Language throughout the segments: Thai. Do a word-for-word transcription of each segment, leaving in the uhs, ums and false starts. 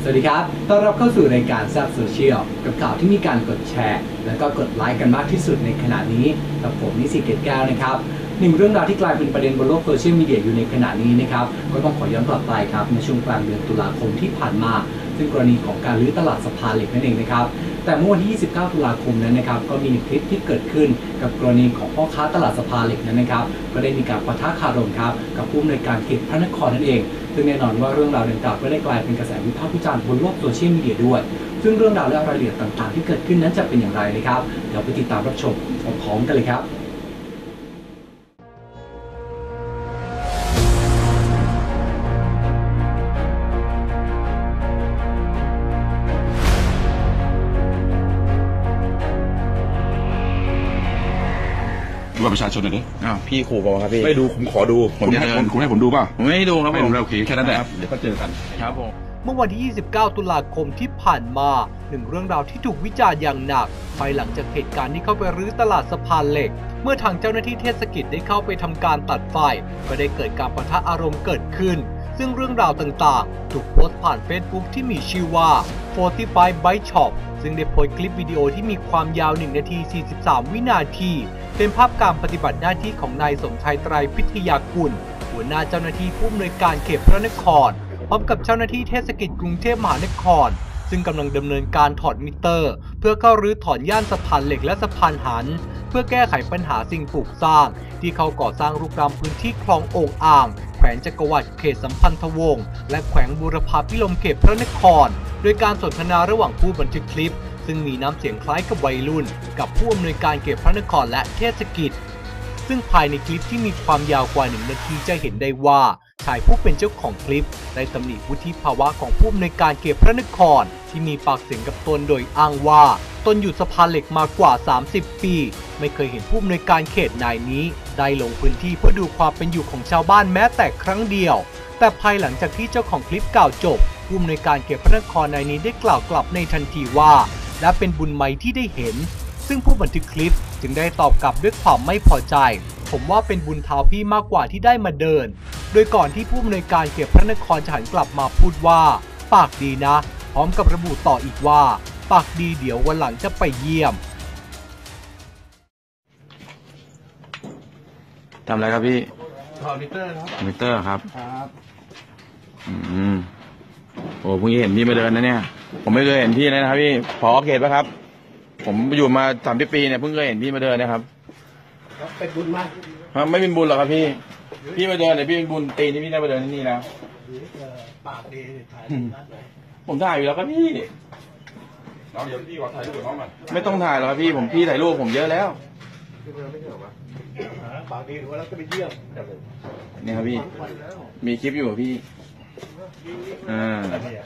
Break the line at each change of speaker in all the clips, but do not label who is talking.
วัสดีครับต้อนรับเข้าสู่รายการแซ่บโซเชียลกับข่าวที่มีการกดแชร์และก็กดไลค์กันมากที่สุดในขณะนี้กับผมนิสิตเกตแก้วนะครับหนึ่งเรื่องราวที่กลายเป็นประเด็นบนโลกโซเชียลมีเดียอยู่ในขณะนี้นะครับก็ต้องขอย้อนกลับไปครับในช่วงกลางเดือนตุลาคมที่ผ่านมาซึ่งกรณีของการรื้อตลาดสะพานเหล็กนั่นเองนะครับแต่เมื่อวันที่ยี่สิบเก้าตุลาคมนั้นนะครับก็มีคลิปที่เกิดขึ้นกับกรณีของพ่อค้าตลาดสะพานเหล็กนั้นนะครับก็ได้มีการปะทะคารมครับกับผู้อำนวยการเขตพระนครนั่นเองซึ่งแน่นอนว่าเรื่องราวดังกล่าวก็ได้กลายเป็นกระแสวิพากษ์วิจารณ์บนโลกโซเชียลมีเดียด้วยซึ่งเรื่องราวและรายละเอียดต่างๆที่เกิดขึ้นนั้นจะเป็นอย่างไรนะครับเดี๋ยวไปติดตามรับชมพร้อมๆกันเลยครับ
ดูบัตรประชาชนหน่อยดิ
อ้าวพี่ขู่บอกครับพี่
ไม่ดูผมขอดูผมจะให้ผมคุณให้ผมดูป่ะ
ผมไม่ดูครับ
ไม่ดูแล้วโอเคแค่นั้นแหละเดี๋ยวก็เจอกัน
ครับผม
เมื่อวันที่ยี่สิบเก้าตุลาคมที่ผ่านมาหนึ่งเรื่องราวที่ถูกวิจารณ์อย่างหนักภายหลังจากเหตุการณ์ที่เข้าไปรื้อตลาดสะพานเหล็กเมื่อทางเจ้าหน้าที่เทศกิจได้เข้าไปทำการตัดไฟก็ได้เกิดการปะทะอารมณ์เกิดขึ้นซึ่งเรื่องราวต่างๆถูกโพสต์ผ่าน Facebook ที่มีชื่อว่าสี่สิบห้า Bike Shop ซึ่งได้โพสต์คลิปวิดีโอที่มีความยาวหนึ่งนาทีสี่สิบสามวินาทีเป็นภาพการปฏิบัติหน้าที่ของนายสมชายไตรพิทยากุลหัวหน้าเจ้าหน้าที่ผู้อำนวยการเขตพระนครพร้อมกับเจ้าหน้าที่เทศกิจกรุงเทพมหานครซึ่งกำลังดำเนินการถอดมิเตอร์เพื่อเข้ารื้อถอนย่านสะพานเหล็กและสะพานหันเพื่อแก้ไขปัญหาสิ่งปลูกสร้างที่เขาก่อสร้างรุกรานพื้นที่คลองโอ่งอ่างแขวงจักรวรรดิเขตสัมพันธวงศ์และแขวงบูรพาภิรมย์เขตพระนครโดยการสนทนาระหว่างผู้บันทึกคลิปซึ่งมีน้ำเสียงคล้ายกับวัยรุ่นกับผู้อำนวยการเขตพระนครและเทศกิจซึ่งภายในคลิปที่มีความยาวกว่าหนึ่งนาทีจะเห็นได้ว่าชายผู้เป็นเจ้าของคลิปได้ตำหนิวุฒิภาวะของผู้อำนวยการเขตพระนครที่มีปากเสียงกับตนโดยอ้างว่าตนอยู่สะพานเหล็กมากว่าสามสิบปีไม่เคยเห็นผู้อำนวยการเขตนายนี้ได้ลงพื้นที่เพื่อดูความเป็นอยู่ของชาวบ้านแม้แต่ครั้งเดียวแต่ภายหลังจากที่เจ้าของคลิปกล่าวจบผู้อำนวยการเขตพระนครนายนี้ได้กล่าวกลับในทันทีว่าและเป็นบุญไหมที่ได้เห็นซึ่งผู้บันทึกคลิปจึงได้ตอบกลับด้วยความไม่พอใจผมว่าเป็นบุญเท้าพี่มากกว่าที่ได้มาเดินโดยก่อนที่ผู้อำนวยการเขตพระนครจะหันกลับมาพูดว่าปากดีนะพร้อมกับระบุต่ออีกว่าปากดีเดี๋ยววันหลังจะไปเยี่ยม
ทำอะไรครับพี่
ถอดมิเตอร์ครับ
มิเตอร์ครับ
ครับ
อืมโอ้เพิ่งเห็นพี่มาเดินนะเนี่ยผมไม่เคยเห็นพี่เลยนะครับพี่ผอเขตป่ะครับผมอยู่มาสามสิบปีเนี่ยเพิ่งเคยเห็นพี่มาเดินนะครับ
เป็นบุญมาก
ครับไม่เป็นบุญหรอกครับพี่พี่มาเดินเนี่ยพี่เป็นบุญตีนี่พี่ได้มาเดินที่นี่แล้ว
ปากดีถ่ายนัดไหน
ผมถ่ายอยู่แล้วครับพี่
น้องเดี๋ยวพี่ขอถ่ายรูปกับน้องมัน
ไม่ต้องถ่ายหรอกครับพี่ผมพี่ถ่ายรูปผมเยอะแล้ว
ปากดีหรือว่าเราจะไปเยี่ยม
นี่ครับพี่มีคลิปอยู่พี่อ่า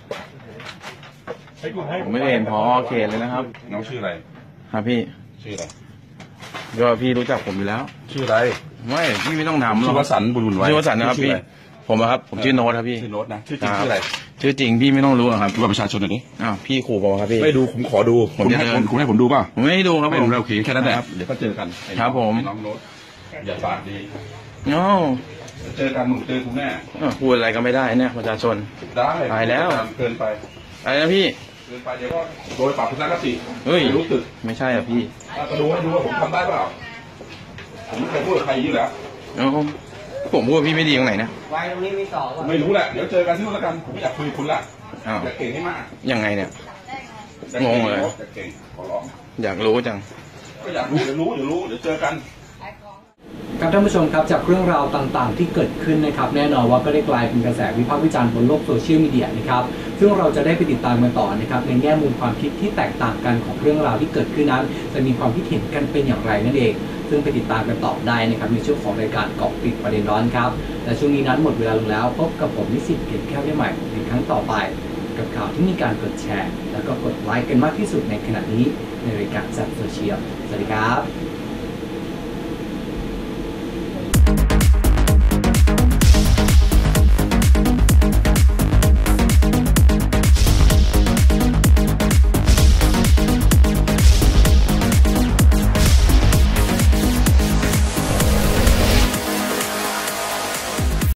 ผมไม่เห็นพอเขตเลยนะครับ
น้องชื่ออะไร
ครับพี่
ชื่ออะไร
ก็พี่รู้จักผมอยู่แล้ว
ชื่ออะไร
ไม่พี่ไม่ต้องถามหรอก
ชื่อวสันต์บุญบุญไว้
ชื่อวสันต์นะครับพี่ผมครับผมชื่อโน้ตครับพี่
ชื่อโน้ตนะชื่อจริงชื่ออะไร
ชื่อจริงพี่ไม่ต้องรู้ครับ
ดูบัตรประชาชนหน่อยดิ
อ้าวพี่ขู่บอกครับพี่
ไม่ดูผมขอดูผมจะให้คุณให้ผมดูป่ะ
ผมไม่ดูครับ
ไม่ดูแล้วโอเคแค่นั้นแหละเดี๋ยวก็เจอกัน
ครับผม
น้องโน้ตอย่าปากดี
โน้
เจอกันหนุ่มเจอคุณแม่
พูดอะไรก็ไม่ได้เนี่ยประชาชน
ได้
ตายแล้ว
เกินไป
อะไรนะพี่
เกินไปเดี๋ยวก็โดยปรับทัศนคติ
เฮ้ย
รู้สึก
ไม่ใช่อ่ะพี่
ก็ดูให้ดูว่าผมทำได้เปล่าผมไม่เคยพูดกับใครอย่างนี้แล้ว
ผมพูดพี่ไม่ดีตรงไหนนะ
ไว้ตรงนี้มีต่อ
ไม่รู้แหละเดี๋ยวเจอกันที่นู่นแล้วกันผมไม่อยากคุยคุณละอยากเก่งให้มาก
ยังไงเนี่ยงงเลย
อยากเก่งขอร้อง
อยากรู้จัง
ก็อยากรู้เดี๋ยวรู้เดี๋ยวรู้เดี๋ยวเจอกัน
ครับท่านผู้ชมครับจากเรื่องราวต่างๆที่เกิดขึ้นนะครับแน่นอนว่าก็ได้กลายเป็นกระแสวิพากษ์วิจารณ์บนโลกโซเชียลมีเดียนะครับซึ่งเราจะได้ไปติดตามกันต่อนะครับในแง่มุมความคิดที่แตกต่างกันของเรื่องราวที่เกิดขึ้นนั้นจะมีความคิดเห็นกันเป็นอย่างไรนั่นเองซึ่งไปติดตามกันต่อได้นะครับในช่วงของรายการเกาะติดประเด็นร้อนครับและช่วงนี้นั้นหมดเวลาลงแล้วพบกับผมนิสิตเกตแก้วได้ใหม่ในครั้งต่อไปกับข่าวที่มีการกดแชร์แล้วก็กดไลค์กันมากที่สุดในขณะนี้ในรายการแซ่บโซเชียลสวัสดีครับ